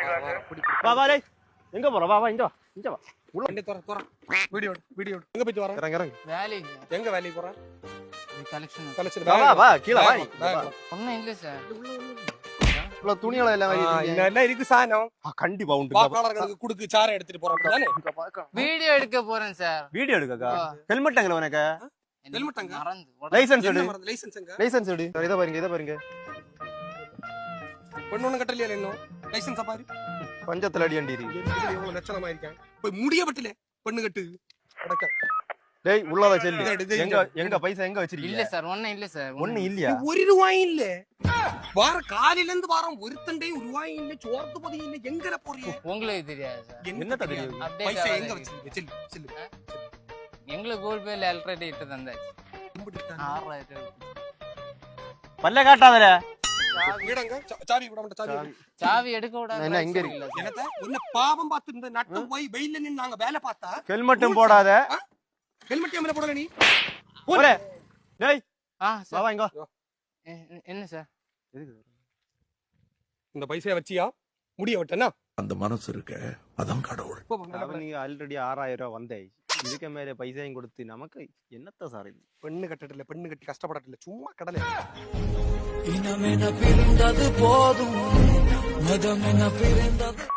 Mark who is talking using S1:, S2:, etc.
S1: வா வா டேய் எங்க போற வா வா இங்க வா இங்க வா
S2: உள்ள வண்டி தோற தோற வீடியோ எங்க போய் வர
S1: இறங்க இறங்க
S3: வேலைக்கு
S2: எங்க வேலைக்கு போற
S3: கலெக்ஷன்
S1: வா வா வா கீழ வா
S3: ஒண்ணும் இல்ல சார்
S1: இவ்வளோ துணியெல்லாம் எல்லாம் வாங்கி
S2: எல்லாம் இருக்கு சாணம்
S1: கண்டிப்பா உண்டு
S2: வாக்காளர்களுக்கு குடுக்கு சாரை எடுத்துட்டு போறோம் தானே
S3: வீடியோ எடுக்க போறேன் சார்
S1: வீடியோ எடுக்கக்கா ஹெல்மெட் எங்க உனக்கு
S2: ஹெல்மெட் அங்க
S3: மறந்து
S1: லைசென்ஸ் எடு
S2: லைசென்ஸ் எங்க
S1: லைசென்ஸ் எடு இத பாருங்க
S2: பொண்ணு கட்டலையா இன்னும் லைசென்ஸ் பாரு
S1: பஞ்சத்துல அடி அண்டி
S2: எவ்வளவு லட்சணமா இருக்கேன் போய் முடிய பட்டல பொண்ணு கட்டு அடக்க
S1: டேய் உள்ளத செல்லு எங்க பைசா எங்க வச்சிருக்கீங்க
S3: இல்ல சார் ஒண்ணும் இல்ல சார்
S1: ஒண்ணும் இல்லையா
S2: ஒரு ரூபாய் இல்ல வார காலையில இருந்து வாரம் ஒருத்தண்டே ரூபாய் இல்ல சோர்த்து பதி இல்ல எங்கற போறீங்க
S3: உங்களுக்கு தெரியாது சார்
S1: என்ன தெரியும்
S2: பைசா எங்க வச்சிருக்கீங்க செல்லு
S3: எங்களுக்கு கூகுள் பேல எலக்ட்ரிசிட்டி இட்டு தந்தாச்சு 6000
S1: பல்ல காட்டாதல
S2: வீடங்க சாவி விட மாட்டேன்
S3: சாவி எடுக்க விடாத
S1: என்ன இங்க இருக்கு
S2: என்னத என்ன பாவம் பார்த்து இந்த நட்டு போய் வெயில்ல நின்னு நாங்க வேலை பார்த்தா
S1: ஹெல்மெட்டும் போடாத
S2: ஹெல்மெட் ஏமல போடல நீ
S1: போறே டேய்
S3: சார்
S1: வா இங்க
S3: என்ன சார்
S1: எதுக்கு
S2: இந்த பைசைய வச்சியா முடிய விட்டனா
S4: அந்த மனசு இருக்க அதான் கடவுள்
S1: நீங்க ஆல்ரெடி 6000 ரூபாய் வந்தே இதுக்கு மேல பைசாயும் கொடுத்து நமக்கு என்னத்த சார் இது
S2: பெண்ணு கட்டல பெண்ணு கட்டி கஷ்டப்படல சும்மா கடலை
S4: இனமென பிரிந்தது போதும் மதமென பிரிந்தது